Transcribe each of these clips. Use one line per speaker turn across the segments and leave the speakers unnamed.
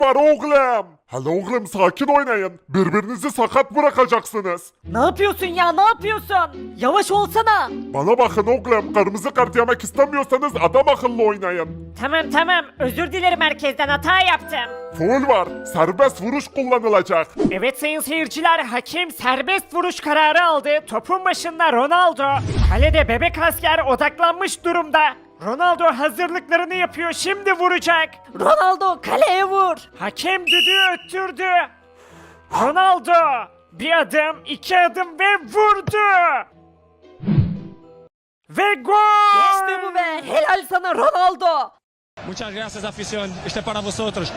var oğlum. Hele oğlum sakin oynayın. Birbirinizi sakat bırakacaksınız.
Ne yapıyorsun ya, ne yapıyorsun? Yavaş olsana.
Bana bakın oğlum, kırmızı kart yemek istemiyorsanız adam akıllı oynayın.
Tamam, özür dilerim, herkesten hata yaptım.
Foul var, serbest vuruş kullanılacak.
Evet sayın seyirciler, hakem serbest vuruş kararı aldı. Topun başında Ronaldo. Kalede bebek asker odaklanmış durumda. Ronaldo hazırlıklarını yapıyor, şimdi vuracak. Ronaldo kaleye vur. Hakem düdüğü öttürdü. Ronaldo bir adım, iki adım ve vurdu. Ve gol! İşte bu be, helal sana Ronaldo.
Muchas gracias afición, este para vosotros.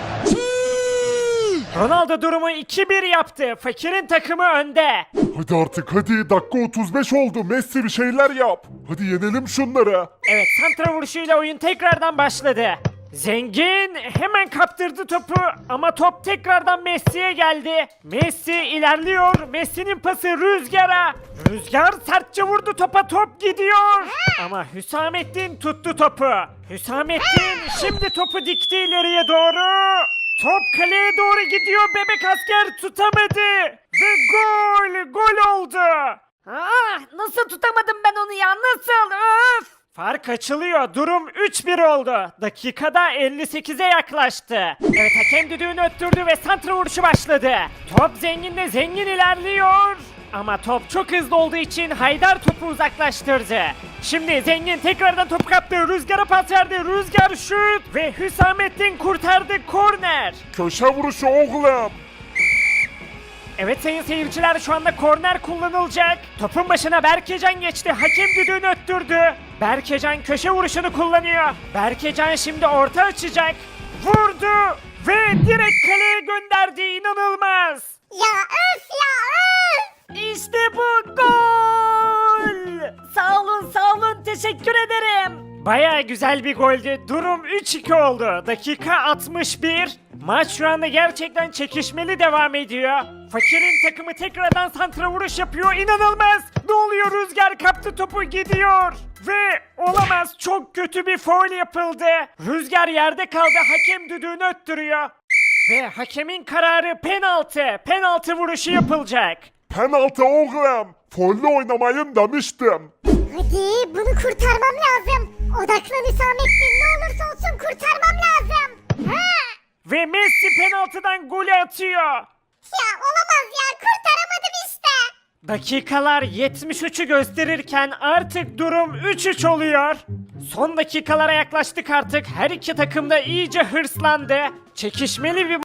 Ronaldo durumu 2-1 yaptı. Fakirin takımı önde.
Hadi artık hadi, dakika 35 oldu. Messi bir şeyler yap. Hadi yenelim şunları.
Evet, santra vuruşuyla oyun tekrardan başladı. Zengin hemen kaptırdı topu ama top tekrardan Messi'ye geldi. Messi ilerliyor. Messi'nin pası Rüzgar'a. Rüzgar sertçe vurdu topa, top gidiyor. Ama Hüsamettin tuttu topu. Hüsamettin şimdi topu dikti ileriye doğru. Top kaleye doğru gidiyor, bebek asker tutamadı. Ve gol oldu. Nasıl tutamadım ben onu ya, nasıl? Öf! Fark açılıyor. Durum 3-1 oldu. Dakikada 58'e yaklaştı. Evet, hakem düdüğünü öttürdü ve santra vuruşu başladı. Top Zengin'de, Zengin ilerliyor. Ama top çok hızlı olduğu için Haydar topu uzaklaştırdı. Şimdi Zengin tekrardan topu kaptı. Rüzgar'a pas verdi. Rüzgar şut ve Hüsamettin kurtardı, korner.
Köşe vuruşu oğlum.
Evet sayın seyirciler, şu anda korner kullanılacak. Topun başına Berkecan geçti. Hakem düdüğünü öttürdü. Berkecan köşe vuruşunu kullanıyor. Berkecan şimdi orta açacak. Vurdu ve direkt kaleye gönderdi. İnanılmaz.
Ya öf ya öf.
İşte bu gol. Sağ olun, teşekkür ederim. Baya güzel bir goldü. Durum 3-2 oldu. Dakika 61. Maç şu anda gerçekten çekişmeli devam ediyor. Fakirin takımı tekrardan santra vuruş yapıyor. İnanılmaz. Ne oluyor? Rüzgar kaptı topu, gidiyor. Ve olamaz, çok kötü bir faul yapıldı. Rüzgar yerde kaldı. Hakem düdüğünü öttürüyor. Ve hakemin kararı penaltı. Penaltı vuruşu yapılacak.
Penaltı oğlum. Folle oynamayın demiştim.
Hadi bunu kurtarmam lazım. Odaklan Hüsamettin, ne olursa olsun kurtarmam lazım. Ha!
Ve Messi penaltıdan golü atıyor.
Ya olamaz ya, kurtaramadım işte.
Dakikalar 73'ü gösterirken artık durum 3-3 oluyor. Son dakikalara yaklaştık artık. Her iki takım da iyice hırslandı. Çekişmeli bir